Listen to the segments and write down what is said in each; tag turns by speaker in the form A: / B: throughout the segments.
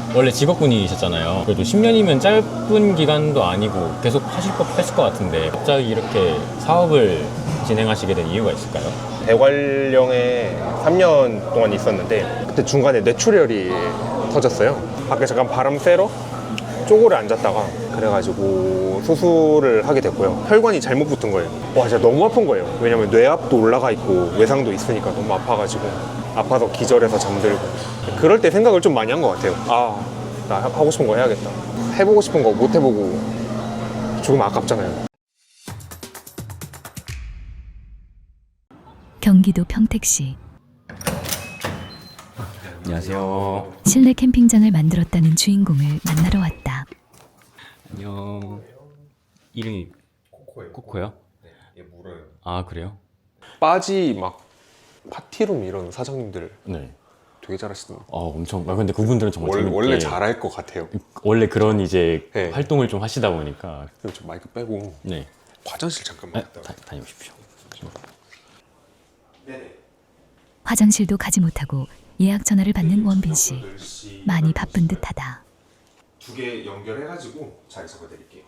A: 원래 직업군이셨잖아요. 그래도 10년이면 짧은 기간도 아니고 계속 하실 것 했을 것 같은데 갑자기 이렇게 사업을 진행하시게 된 이유가 있을까요?
B: 대관령에 3년 동안 있었는데 그때 중간에 뇌출혈이 터졌어요. 밖에 잠깐 바람 쐬러 쪼고를 앉았다가 그래가지고 수술을 하게 됐고요. 혈관이 잘못 붙은 거예요. 와, 진짜 너무 아픈 거예요. 왜냐면 뇌압도 올라가 있고 외상도 있으니까 너무 아파가지고 아파서 기절해서 잠들고 그럴 때 생각을 좀 많이 한 것 같아요. 아, 나 하고 싶은 거 해야겠다. 해보고 싶은 거 못 해보고 죽으면 아깝잖아요.
C: 경기도 평택시
A: 안녕하세요.
C: 실내 캠핑장을 만들었다는 주인공을 만나러 왔다.
A: 안녕. 이름이 코코요?
B: 네, 얘 물어요.
A: 아, 그래요?
B: 빠지 막 파티룸 이런 사장님들
A: 네.
B: 되게 잘하시던데.
A: 엄청. 근데 그분들은 정말 재밌게
B: 원래 잘할 것 같아요.
A: 원래 그런 이제
B: 네.
A: 활동을 좀 하시다 보니까.
B: 그리고 좀 마이크 빼고
A: 네.
B: 화장실 잠깐만
A: 아,
B: 갔다
A: 다녀오십시오.
B: 네네.
C: 화장실도 가지 못하고 예약 전화를 받는 원빈 씨. 많이 바쁜 듯하다.
B: 2개 연결해가지고 자리 잡아드릴게요.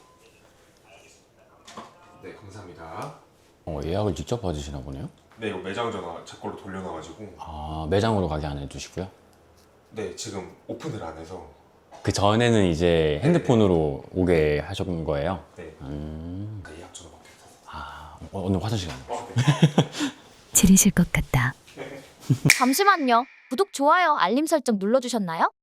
B: 네, 감사합니다.
A: 예약을 직접 받으시나 보네요?
B: 네, 이거 매장 전화 제 걸로 돌려놔가지고.
A: 아, 매장으로 가게 안 해주시고요?
B: 네, 지금 오픈을 안 해서.
A: 그 전에는 이제 핸드폰으로 오게 하셨던 거예요?
B: 네. 예약 전화밖에 없어서.
A: 아, 오늘 화장실 가는 거.
B: 네.
C: 지리실 것 같다.
D: 잠시만요. 구독, 좋아요, 알림 설정 눌러주셨나요?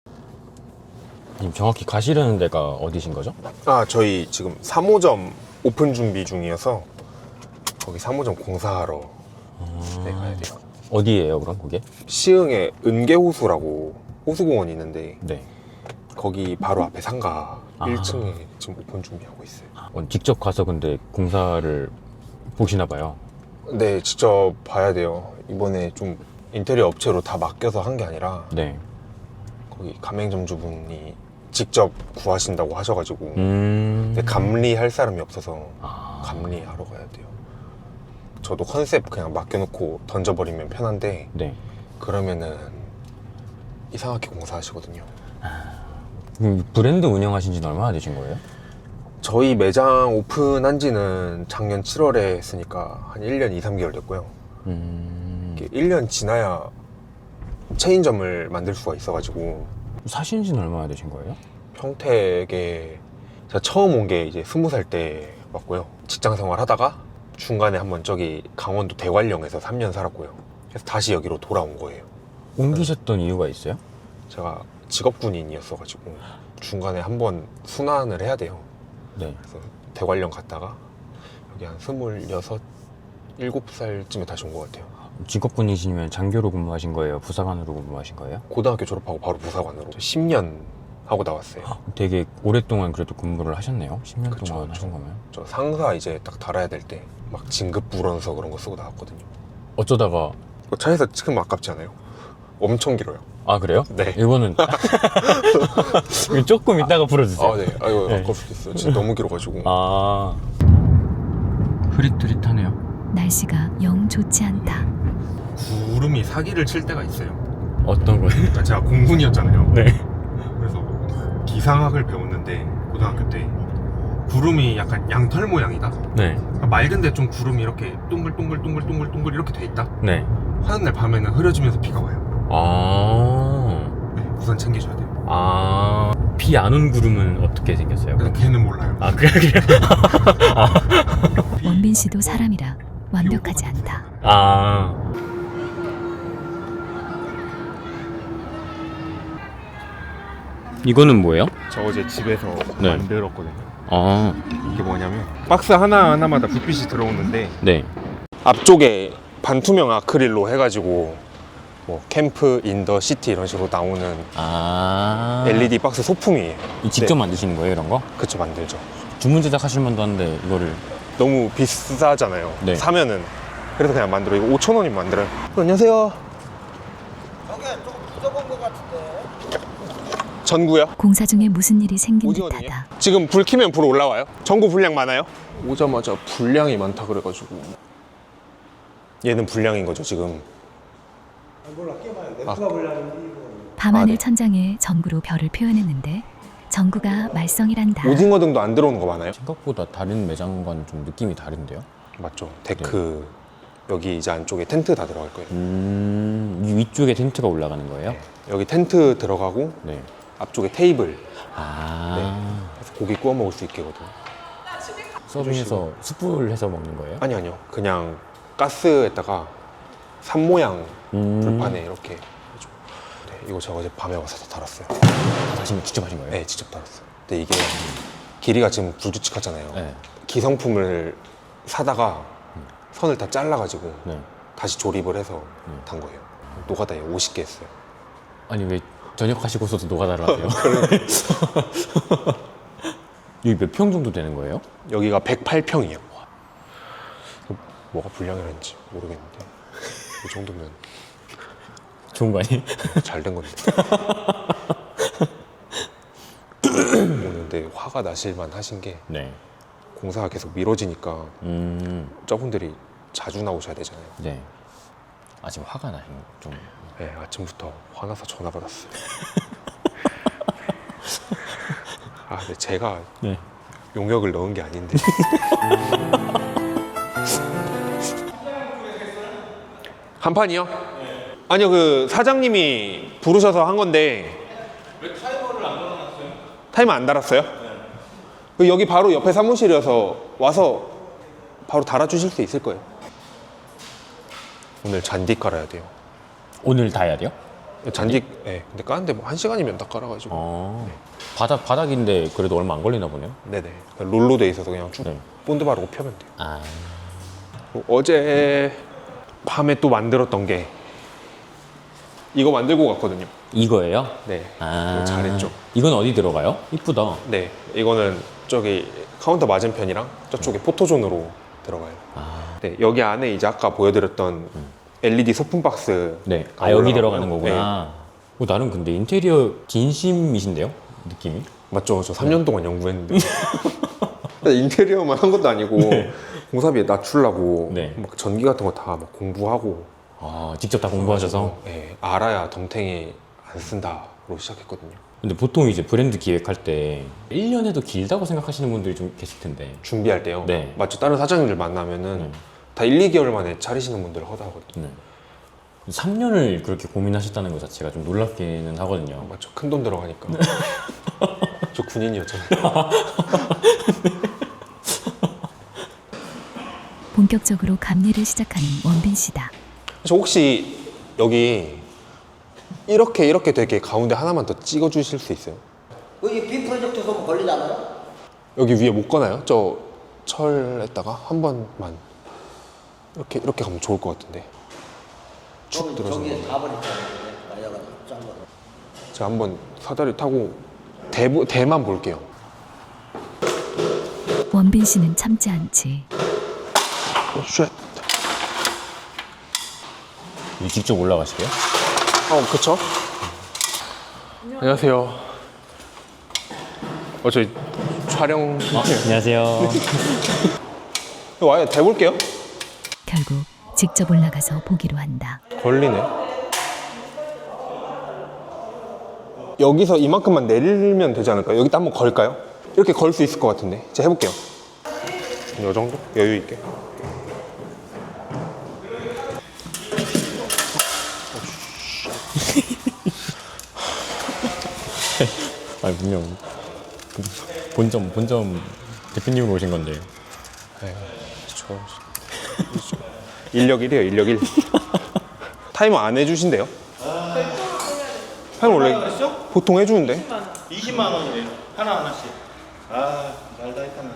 A: 님 정확히 가시려는 데가 어디신 거죠?
B: 아, 저희 지금 3호점 오픈 준비 중이어서 거기 3호점 공사하러 네, 가야 돼요.
A: 어디예요, 그럼 그게?
B: 시흥에 은계호수라고 호수공원이 있는데
A: 네.
B: 거기 바로 앞에 상가
A: 아.
B: 1층에 지금 오픈 준비하고 있어요.
A: 직접 가서 근데 공사를 보시나 봐요.
B: 네, 직접 봐야 돼요. 이번에 좀 인테리어 업체로 다 맡겨서 한 게 아니라
A: 네.
B: 거기 가맹점주분이 직접 구하신다고 하셔가지고 근데
A: 음.
B: 감리할 사람이 없어서
A: 아.
B: 감리하러 가야 돼요. 저도 컨셉 그냥 맡겨놓고 던져버리면 편한데
A: 네.
B: 그러면은 이상하게 공사하시거든요.
A: 브랜드 운영하신 지는 얼마나 되신 거예요?
B: 저희 매장 오픈한 지는 작년 7월에 했으니까 한 1년 2, 3개월 됐고요. 이게 1년 지나야 체인점을 만들 수가 있어가지고
A: 사신 지는 얼마나 되신 거예요?
B: 평택에 제가 처음 온 게 이제 20살 때 왔고요. 직장 생활 하다가 중간에 한번 저기 강원도 대관령에서 3년 살았고요. 그래서 다시 여기로 돌아온 거예요.
A: 옮기셨던 이유가 있어요? 제가
B: 직업군인이었어가지고 중간에 한번 순환을 해야 돼요.
A: 네.
B: 그래서 대관령 갔다가 여기 한 26, 7살쯤에 다시 온 것 같아요.
A: 직업군이시면 장교로 근무하신 거예요? 부사관으로 근무하신 거예요?
B: 고등학교 졸업하고 바로 부사관으로 10년 하고 나왔어요.
A: 되게 오랫동안 그래도 근무를 하셨네요? 10년
B: 그쵸,
A: 동안
B: 그쵸.
A: 하신 거면?
B: 저 상사 이제 딱 달아야 될 때 막 진급 불원서 그런 거 쓰고 나왔거든요.
A: 어쩌다가
B: 이거 차에서 찍으면 아깝지 않아요? 엄청 길어요.
A: 아, 그래요?
B: 네.
A: 이거는 이거 조금 이따가 풀어주세요.
B: 아, 네. 아, 이거
A: 네.
B: 아까울 수도 있어요. 진짜 너무 길어가지고.
A: 아, 흐릿흐릿하네요.
C: 날씨가 영 좋지 않다.
B: 구름이 사기를 칠 때가 있어요.
A: 어떤 거예요?
B: 그러니까 제가 공군이었잖아요.
A: 네.
B: 그래서 기상학을 배웠는데 고등학교 때 구름이 약간 양털 모양이다.
A: 네.
B: 그러니까 맑은데 좀 구름이 이렇게 동글동글 이렇게 돼 있다.
A: 네.
B: 하는 날 밤에는 흐려지면서 비가 와요.
A: 아,
B: 네, 우산 챙기셔야 돼요.
A: 아, 비 안 온 구름은 어떻게 생겼어요?
B: 그래서 걔는 몰라요.
A: 아, 그래요?
C: 원빈 씨도 사람이라 완벽하지 않다.
A: 아. 이거는 뭐예요?
B: 저 어제 집에서
A: 네.
B: 만들었거든요.
A: 아,
B: 이게 뭐냐면 박스 하나하나마다 불빛이 들어오는데
A: 네.
B: 앞쪽에 반투명 아크릴로 해가지고 뭐 캠프, 인더, 시티 이런 식으로 나오는
A: 아.
B: LED 박스 소품이에요.
A: 직접
B: 네.
A: 만드시는 거예요, 이런 거?
B: 그쵸, 만들죠.
A: 주문 제작하실 만도 한데 이거를.
B: 너무 비싸잖아요.
A: 네.
B: 사면은. 그래서 그냥 만들어. 이거 5,000원이면 만들어요. 안녕하세요.
E: 저게 조금 부족한 것 같은데.
B: 전구요?
C: 공사 중에 무슨 일이 생긴
B: 오징어등이요?
C: 듯하다.
B: 지금 불 켜면 불 올라와요? 전구 불량 많아요? 오자마자 불량이 많다 그래가지고. 얘는 불량인 거죠, 지금.
E: 몰라, 깨봐요. 넥스가 불량인지 이거.
C: 밤하늘
B: 네.
C: 천장에 전구로 별을 표현했는데 전구가 말썽이란다.
B: 오징어 등도 안 들어오는 거 많아요?
A: 생각보다 다른 매장과는 좀 느낌이 다른데요?
B: 맞죠. 데크 여기 이제 안쪽에 텐트 다 들어갈 거예요.
A: 이 위쪽에 텐트가 올라가는 거예요?
B: 네. 여기 텐트 들어가고
A: 네.
B: 앞쪽에 테이블.
A: 아.
B: 그래서 고기 구워 먹을 수 있게 거든.
A: 서빙해서 숯불 해서 먹는 거예요?
B: 아니요. 그냥 가스에다가 산 모양 불판에 이렇게 해줘. 네, 이거 제가 어제 밤에 와서 다 달았어요.
A: 직접 하신 거예요?
B: 네, 직접 달았어요. 근데 이게 길이가 지금 불규칙하잖아요.
A: 네.
B: 기성품을 사다가 선을 다 잘라가지고
A: 네.
B: 다시 조립을 해서 단 거예요. 노가다에 50개 했어요.
A: 아니 왜 저녁 하시고서도 노가다를 하세요? 여기 몇 평 정도 되는 거예요?
B: 여기가 108평이에요. 뭐가 불량이라는지 모르겠는데 이 정도면
A: 좋은 거 아니에요?
B: 잘 된 건데. 오늘 근데 화가 나실만 하신 게
A: 네.
B: 공사가 계속 미뤄지니까 저분들이 자주 나오셔야 되잖아요.
A: 네. 아 지금 화가 나요. 좀.
B: 네, 아침부터 화나서 전화 받았어요. 아, 근데 제가
A: 네.
B: 용역을 넣은 게 아닌데. 한 판이요? 네. 아니요, 그 사장님이 부르셔서 한 건데. 왜 타이머를 안 달아놨어요? 타이머 안 달았어요? 네. 여기 바로 옆에 사무실이어서 와서 바로 달아주실 수 있을 거예요. 오늘 잔디 깔아야 돼요.
A: 오늘 다 해야 돼요?
B: 잔디, 네. 근데 까는데 뭐 1시간이면 다 깔아가지고.
A: 바닥인데 그래도 얼마 안 걸리나 보네요.
B: 네네. 롤로 돼 있어서 그냥 쭉
A: 네.
B: 본드 바르고 펴면 돼요.
A: 아.
B: 어제 밤에 또 만들었던 게 이거 만들고 갔거든요.
A: 이거예요?
B: 네.
A: 아.
B: 이거 잘했죠.
A: 이건 어디 들어가요? 이쁘다.
B: 네. 이거는 저기 카운터 맞은편이랑 저쪽에 포토존으로 들어가요.
A: 아.
B: 네. 여기 안에 이제 아까 보여드렸던 LED 소품 박스.
A: 네. 아 여기 들어가는 거구나. 나는 근데 인테리어 진심이신데요? 느낌이?
B: 맞죠. 저 3년 동안 연구했는데. 인테리어만 한 것도 아니고 공사비에 낮추려고
A: 네.
B: 막 전기 같은 거 다 막 공부하고.
A: 아 직접 다 공부하셔서?
B: 네. 알아야 덤탱이 안 쓴다로 시작했거든요.
A: 근데 보통 이제 브랜드 기획할 때 1년에도 길다고 생각하시는 분들이 좀 계실 텐데.
B: 준비할 때요.
A: 네.
B: 맞죠. 다른 사장님들 만나면은 다 1, 2개월 만에 차리시는 분들 허다하거든요.
A: 네. 3년을 그렇게 고민하셨다는 것 자체가 좀 놀랍기는 하거든요.
B: 맞죠. 큰 돈 들어가니까. 저 군인이었잖아요.
C: 본격적으로 감리를 시작하는 원빈 씨다.
B: 저 혹시 여기 이렇게 되게 가운데 하나만 더 찍어 주실 수 있어요?
E: 여기 빔 프로젝트 보면 걸리잖아요.
B: 여기 위에 못 가나요? 저 철에다가 한 번만 이렇게 가면 좋을 것 같은데. 축 들어서.
E: 저기에 가버렸잖아요. 날려가지고 짠 거.
B: 제가 한번 사다리 타고 대만 볼게요.
C: 원빈 씨는 참지 않지.
B: 쉣.
A: 이 직접 올라가시게요?
B: 그쵸? 안녕하세요. 저희 촬영.
A: 안녕하세요.
B: 와요. 대볼게요.
C: 결국 직접 올라가서 보기로 한다.
B: 걸리네. 여기서 이만큼만 내리면 되지 않을까요? 여기다 한번 걸까요? 이렇게 걸 수 있을 것 같은데. 제가 해볼게요. 이 정도? 여유 있게.
A: 아니 분명 본점 대표님으로 오신 건데.
B: 인력 1이에요, 인력 1. 타이머 안 해주신대요? 타이머 원래 보통 해주는데.
F: 20만 원이래요. 하나씩. 아, 말다 했잖아.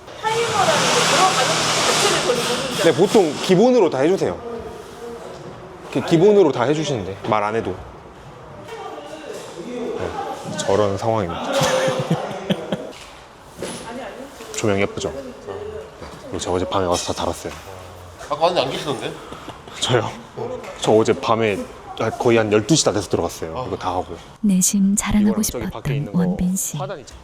B: 네, 보통 기본으로 다 해주세요. 기본으로 다 해주시는데 말 안 해도. 네, 저런 상황입니다. 조명 예쁘죠? 네, 이거 제가 어제 밤에 와서 다 달았어요.
F: 아까 왔는데 안 계시던데?
B: 저요? 저 어제 밤에 거의 한 12시 다 돼서 들어갔어요. 이거 다 하고.
C: 내심 자랑하고
B: 이거랑 저기 밖에 있는
C: 싶었던
B: 거
C: 원빈 씨.
B: 화단 있죠?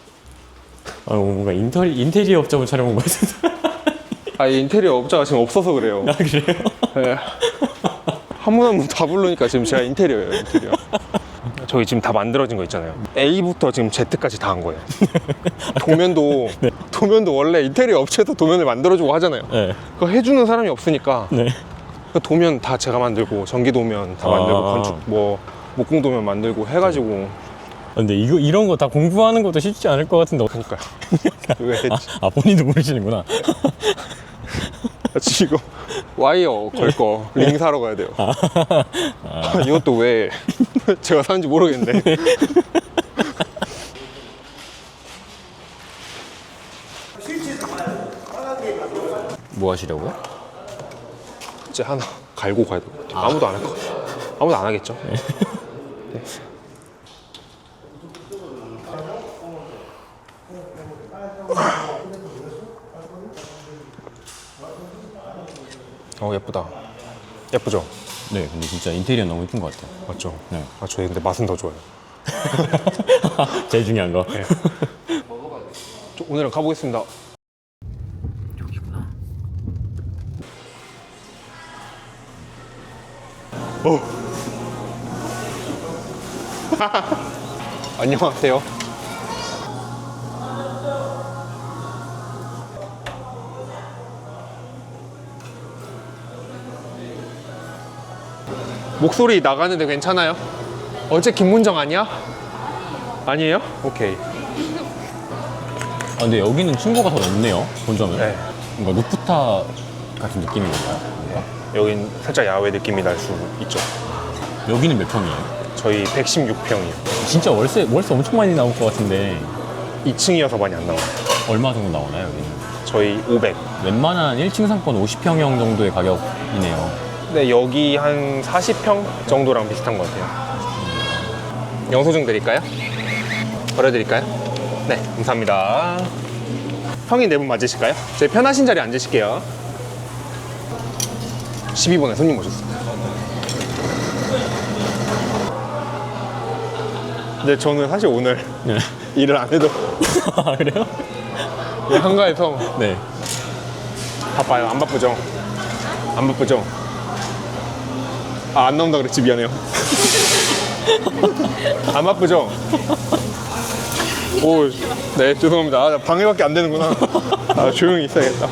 A: 뭔가 인테리어 업자분 촬영 온 것 같은데.
B: 인테리어 업자가 지금 없어서 그래요.
A: 아 그래요?
B: 네. 한 분 한 분 다 부르니까 지금 제가 인테리어예요, 인테리어. 저희 지금 다 만들어진 거 있잖아요. A부터 지금 Z까지 다 한 거예요. 도면도 도면도 원래 인테리어 업체에서 도면을 만들어주고 하잖아요.
A: 네.
B: 그거 해주는 사람이 없으니까
A: 네.
B: 그 도면 다 제가 만들고 전기 도면 다 만들고
A: 아.
B: 건축 뭐 목공 도면 만들고 해가지고
A: 근데 이런 거 다 공부하는 것도 쉽지 않을 것 같은데.
B: 그러니까 왜
A: 본인도 모르시는구나.
B: 지금 와이어 걸 거 링 사러 가야 돼요. 이것도 왜 제가 사는지 모르겠는데.
A: 뭐 하시려고요?
B: 이제 하나 갈고 가야 될 것 같아요. 아무도 안 할 것 같아요. 아무도 안 하겠죠? 네. 예쁘다. 예쁘죠?
A: 네, 근데 진짜 인테리어 너무 예쁜 것 같아요.
B: 맞죠?
A: 네.
B: 저희 근데 맛은 더 좋아요.
A: 제일 중요한 거.
B: 네. 오늘은 가보겠습니다.
A: 여기구나.
B: 안녕하세요. 목소리 나가는데 괜찮아요? 어제 김문정 아니야? 아니에요? 오케이.
A: 근데 여기는 층고가 더 높네요. 본점은.
B: 네.
A: 뭔가 루프탑 같은 느낌인 건가요? 뭔가?
B: 여긴 살짝 야외 느낌이 날 수 있죠.
A: 여기는 몇 평이에요?
B: 저희 116평이요.
A: 진짜 월세 엄청 많이 나올 것 같은데
B: 2층이어서 많이 안 나와요.
A: 얼마 정도 나오나요, 여기는?
B: 저희 500.
A: 웬만한 1층 상권 50평형 정도의 가격이네요.
B: 근데 여기 한 40평 정도랑 비슷한 것 같아요. 영수증 드릴까요? 버려드릴까요? 네, 감사합니다. 형이 네 분 맞으실까요? 저희 편하신 자리에 앉으실게요. 12번에 손님 오셨어요. 근데 저는 사실 오늘
A: 네.
B: 일을 안 해도
A: 아, 그래요?
B: 한가해서
A: 네.
B: 바빠요. 안 바쁘죠? 안 바쁘죠? 안 나온다 그랬지. 미안해요. 안 바쁘죠? 오, 네, 죄송합니다. 방해밖에 안 되는구나. 조용히 있어야겠다.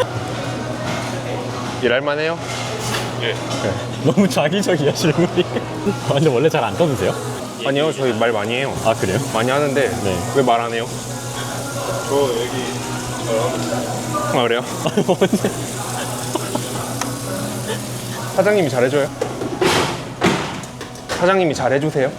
B: 일할만해요? 예.
A: 너무 자기적이야, 질문이. 근데 원래 잘 안 떠드세요?
B: 아니요, 저희 말 많이 해요.
A: 아, 그래요?
B: 많이 하는데
A: 네.
B: 왜 말 안 해요?
F: 저 여기
B: 아, 그래요? 사장님이 잘해줘요? 사장님이 잘해주세요?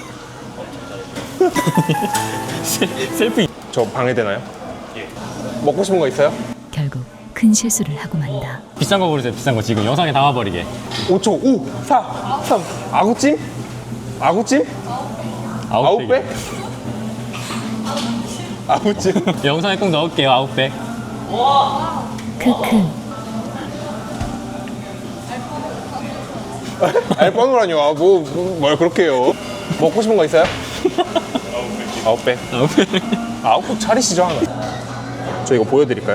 A: 셀프.
B: 저 방해되나요? 예. 먹고 싶은 거 있어요?
C: 결국 큰 실수를 하고 만다.
A: 비싼 거 고르세요, 비싼 거. 지금 영상에 담아버리게.
B: 5초, 5, 4, 3. 아구찜? 아구찜? 아웃백? 아구찜?
A: 영상에 꼭 넣을게요, 아웃백.
C: 크크.
B: 알바노라뇨. 뭘 그렇게 해요. 먹고 싶은 거 있어요? 아웃백.
A: 아웃백.
B: 아웃백 차리시죠, 하나. 저 이거 보여드릴까요?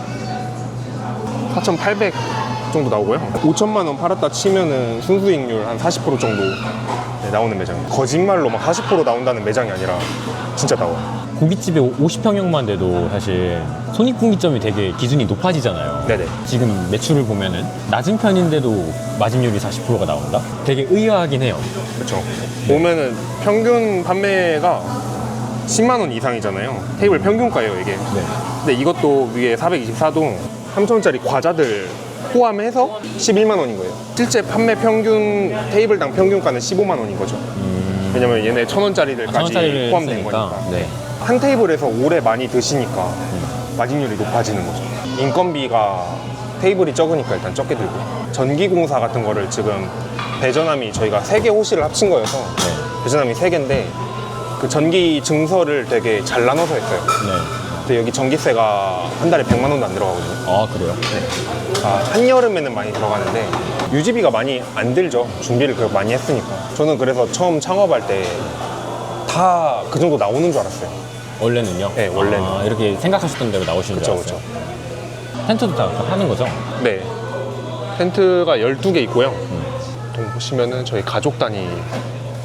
B: 4,800 정도 나오고요. 5천만 원 팔았다 치면은 순수익률 한 40% 정도 나오는 매장. 거짓말로 막 40% 나온다는 매장이 아니라 진짜 나와요.
A: 고깃집에 50평형만 돼도 사실 손익분기점이 되게 기준이 높아지잖아요.
B: 네네.
A: 지금 매출을 보면은 낮은 편인데도 마진율이 40%가 나온다? 되게 의아하긴 해요.
B: 그렇죠. 보면은 평균 판매가 10만 원 이상이잖아요. 테이블 평균가예요, 이게.
A: 네.
B: 근데 이것도 위에 424도 3,000원짜리 과자들 포함해서 11만 원인 거예요. 실제 판매 평균 테이블당 평균가는 15만 원인 거죠. 왜냐면 얘네 1,000원짜리들까지
A: 1,000원짜리를
B: 포함된
A: 했으니까.
B: 거니까.
A: 네.
B: 한 테이블에서 오래 많이 드시니까 마진율이 높아지는 거죠. 인건비가 테이블이 적으니까 일단 적게 들고, 전기공사 같은 거를 지금 배전함이 저희가 3개 호실을 합친 거여서 배전함이 3개인데 그 전기 증서를 되게 잘 나눠서 했어요.
A: 네.
B: 근데 여기 전기세가 한 달에 100만 원도 안 들어가거든요.
A: 아, 그래요?
B: 한여름에는 많이 들어가는데 유지비가 많이 안 들죠. 준비를 그렇게 많이 했으니까. 저는 그래서 처음 창업할 때 다 그 정도 나오는 줄 알았어요.
A: 원래는요?
B: 네, 원래는.
A: 아, 이렇게 생각하셨던 대로 나오시는
B: 그쵸,
A: 줄 알았어요. 텐트도 다 하는 거죠?
B: 네. 텐트가 12개 있고요. 보시면은 저희 가족 단위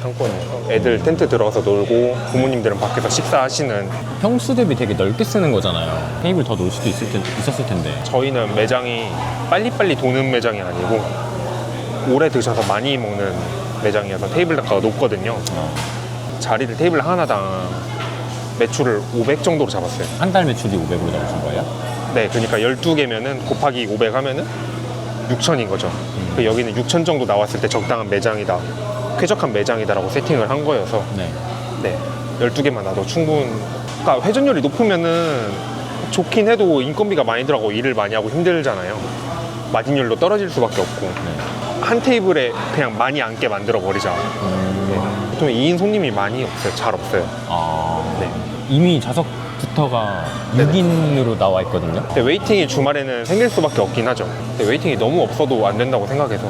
B: 상권이에요. 애들 텐트 들어가서 놀고 부모님들은 밖에서 식사하시는.
A: 평수 대비 되게 넓게 쓰는 거잖아요. 테이블 더 놓을 수도 있었을 텐데.
B: 저희는 매장이 빨리빨리 도는 매장이 아니고 오래 드셔서 많이 먹는 매장이어서 테이블 단가가 높거든요. 자리를 테이블 하나당 매출을 500 정도로 잡았어요.
A: 한 달 매출이 500으로 잡으신 거예요?
B: 네, 그러니까 12개면은 곱하기 500 하면은 6천인 거죠. 그 여기는 6천 정도 나왔을 때 적당한 매장이다, 쾌적한 매장이다라고 세팅을 한 거여서
A: 네.
B: 네, 12개만 놔도 그러니까 회전율이 높으면은 좋긴 해도 인건비가 많이 들어가고 일을 많이 하고 힘들잖아요. 마진율도 떨어질 수밖에 없고
A: 네.
B: 한 테이블에 그냥 많이 앉게 만들어 버리자. 네. 보통 2인 손님이 많이 없어요. 잘 없어요.
A: 네. 이미 좌석부터가 6인으로 나와 있거든요.
B: 근데 웨이팅이 주말에는 생길 수밖에 없긴 하죠. 근데 웨이팅이 너무 없어도 안 된다고 생각해서.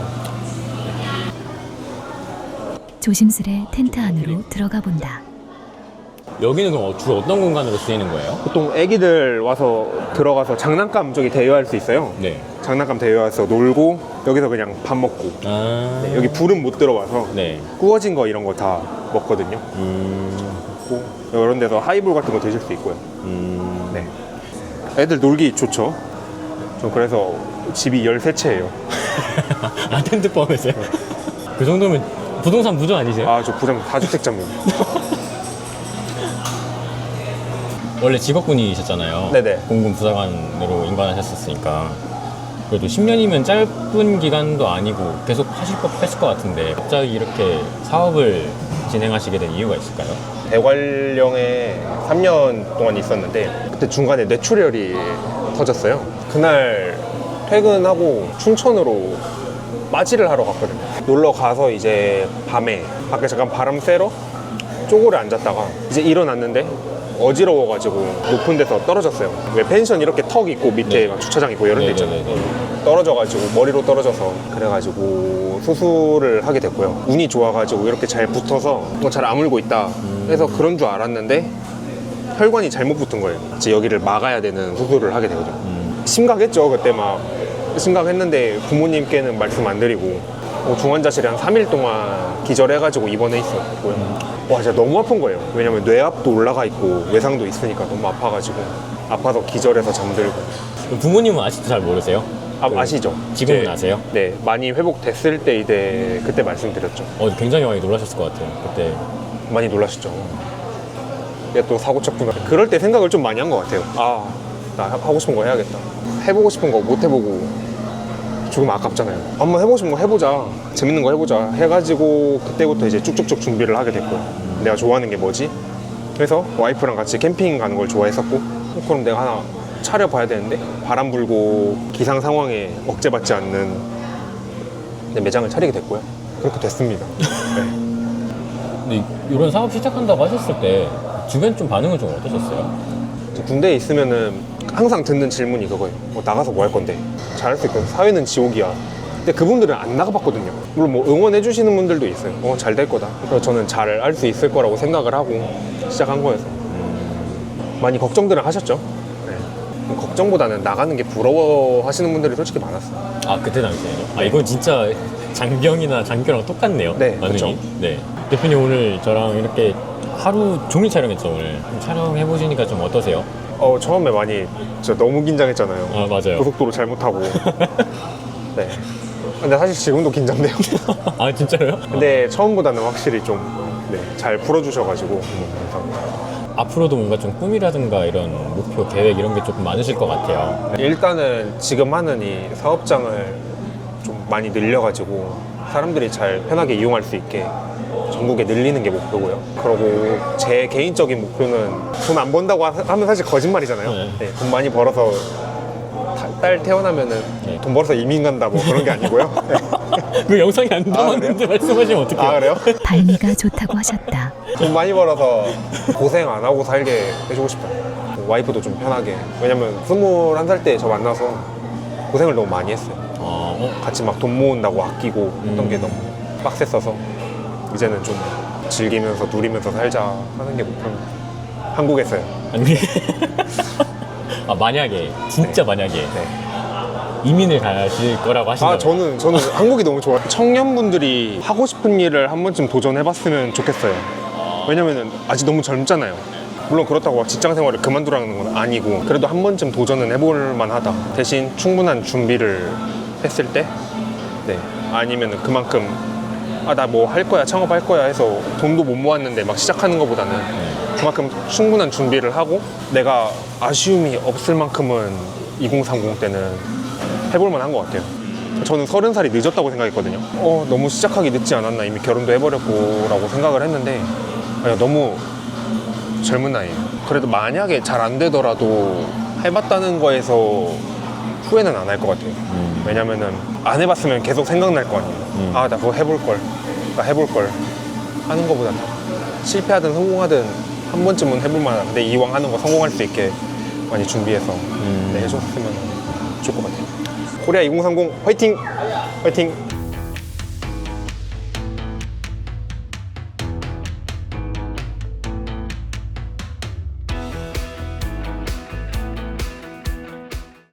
C: 조심스레 텐트 안으로 들어가 본다.
A: 여기는 그럼 주로 어떤 공간으로 쓰이는 거예요?
B: 보통 애기들 와서 들어가서 장난감 저기 대여할 수 있어요.
A: 네.
B: 장난감 대여해서 놀고 여기서 그냥 밥 먹고. 네, 여기 불은 못 들어와서
A: 네.
B: 구워진 거 이런 거 다 먹거든요. 먹고 이런 데서 하이볼 같은 거 드실 수 있고요. 네. 애들 놀기 좋죠. 저 그래서 집이 13채예요.
A: 아, 텐트 포함해서요? 그 정도면 부동산 부자 아니세요?
B: 아, 저 부장 다주택자입니다.
A: 원래 직업군이셨잖아요.
B: 네네.
A: 공군 부사관으로 임관하셨으니까 그래도 10년이면 짧은 기간도 아니고 계속 하실 법했을 것 같은데 갑자기 이렇게 사업을 진행하시게 된 이유가 있을까요?
B: 대관령에 3년 동안 있었는데 그때 중간에 뇌출혈이 터졌어요. 그날 퇴근하고 춘천으로 빠지를 하러 갔거든요. 놀러 가서 이제 밤에 밖에 잠깐 바람 쐬러 쪼고려 앉았다가 이제 일어났는데 어지러워가지고 높은 데서 떨어졌어요. 왜 펜션 이렇게 턱 있고 밑에
A: 네.
B: 막 주차장 있고 이런 데 있잖아요.
A: 네네네.
B: 떨어져가지고 머리로 떨어져서 그래가지고 수술을 하게 됐고요. 운이 좋아가지고 이렇게 잘 붙어서 잘 아물고 있다 해서 그런 줄 알았는데 혈관이 잘못 붙은 거예요. 이제 여기를 막아야 되는 수술을 하게 되거든요. 심각했죠. 그때 막 심각했는데 부모님께는 말씀 안 드리고 중환자실에 한 3일 동안 기절해가지고 입원해 있었고요. 와, 진짜 너무 아픈 거예요. 왜냐면 뇌압도 올라가 있고 외상도 있으니까 너무 아파가지고 아파서 기절해서 잠들고.
A: 부모님은 아직도 잘 모르세요?
B: 아시죠?
A: 지금은
B: 이제,
A: 아세요?
B: 네, 많이 회복됐을 때 이제 그때 말씀드렸죠.
A: 굉장히 많이 놀라셨을 것 같아요. 그때
B: 많이 놀라셨죠. 얘 또 사고 쳤구나. 그럴 때 생각을 좀 많이 한 것 같아요. 아, 나 하고 싶은 거 해야겠다. 해보고 싶은 거 못 해보고 죽으면 아깝잖아요. 한번 해보고 싶은 거 해보자, 재밌는 거 해보자 해가지고 그때부터 이제 쭉쭉쭉 준비를 하게 됐고요. 내가 좋아하는 게 뭐지? 그래서 와이프랑 같이 캠핑 가는 걸 좋아했었고 그럼 내가 하나 차려봐야 되는데 바람 불고 기상 상황에 억제받지 않는 매장을 차리게 됐고요. 그렇게 됐습니다. 네.
A: 근데 이런 사업 시작한다고 하셨을 때 주변 좀 반응은 좀 어떠셨어요?
B: 군대에 있으면은 항상 듣는 질문이 그거예요. 나가서 뭐 할 건데? 잘할 수 있거든. 사회는 지옥이야. 근데 그분들은 안 나가봤거든요. 물론 뭐 응원해 주시는 분들도 있어요. 잘 될 거다. 그래서 저는 잘 할 수 있을 거라고 생각을 하고 시작한 거여서 많이 걱정들은 하셨죠. 네. 걱정보다는 나가는 게 부러워하시는 분들이 솔직히 많았어요.
A: 아, 그때 당시에요? 이건 진짜 장병이나 장교랑 똑같네요.
B: 네,
A: 반응이.
B: 그쵸.
A: 네. 대표님 오늘 저랑 이렇게 하루 종일 촬영했죠, 오늘. 촬영해보시니까 좀 어떠세요?
B: 처음에 많이 진짜 너무 긴장했잖아요.
A: 아, 맞아요.
B: 고속도로 잘못하고. 네. 근데 사실 지금도 긴장돼요.
A: 아, 진짜로요?
B: 근데 처음보다는 확실히 좀 잘 풀어주셔가지고 감사합니다.
A: 앞으로도 뭔가 좀 꿈이라든가 이런 목표, 계획 이런 게 조금 많으실 것 같아요.
B: 일단은 지금 하는 이 사업장을 좀 많이 늘려가지고 사람들이 잘 편하게 이용할 수 있게 전국에 늘리는 게 목표고요. 그리고 제 개인적인 목표는 돈 안 번다고 하면 사실 거짓말이잖아요.
A: 네.
B: 네, 돈 많이 벌어서 딸 태어나면은
A: 네.
B: 돈 벌어서 이민 간다 뭐 그런 게 아니고요.
A: 그 영상이 안 남았는데 말씀하시면 어떡해요?
B: 아, 그래요?
C: 발미가 좋다고 하셨다.
B: 돈 많이 벌어서 고생 안 하고 살게 해주고 싶어요. 와이프도 좀 편하게. 왜냐면 21살 때 저 만나서 고생을 너무 많이 했어요. 같이 막 돈 모은다고 아끼고 했던 게 너무 빡셌어서 이제는 좀 즐기면서 누리면서 살자 하는 게 목표입니다. 한국에서요.
A: 아니. 아, 만약에 진짜 만약에
B: 네.
A: 이민을 가실 거라고 하신다고.
B: 아, 저는 한국이 너무 좋아요. 청년분들이 하고 싶은 일을 한 번쯤 도전해봤으면 좋겠어요. 왜냐면은 아직 너무 젊잖아요. 물론 그렇다고 직장 생활을 그만두라는 건 아니고 그래도 한 번쯤 도전은 해볼 만하다. 대신 충분한 준비를 했을 때, 네, 아니면은 그만큼 나 뭐 할 거야, 창업할 거야 해서 돈도 못 모았는데 막 시작하는 것보다는 그만큼 충분한 준비를 하고 내가 아쉬움이 없을 만큼은 2030 때는 해볼 만한 것 같아요. 저는 30살이 늦었다고 생각했거든요. 너무 시작하기 늦지 않았나, 이미 결혼도 해버렸고 라고 생각을 했는데 너무 젊은 나이에요. 그래도 만약에 잘 안 되더라도 해봤다는 거에서 후회는 안 할 것 같아요. 왜냐면은 안 해봤으면 계속 생각날 거 아니에요. 나 그거 해볼걸, 나 해볼걸 하는 거보다는 실패하든 성공하든 한 번쯤은 해볼 만한데 이왕 하는 거 성공할 수 있게 많이 준비해서 네, 해줬으면 좋을 것 같아요. 코리아 2030 화이팅! 화이팅!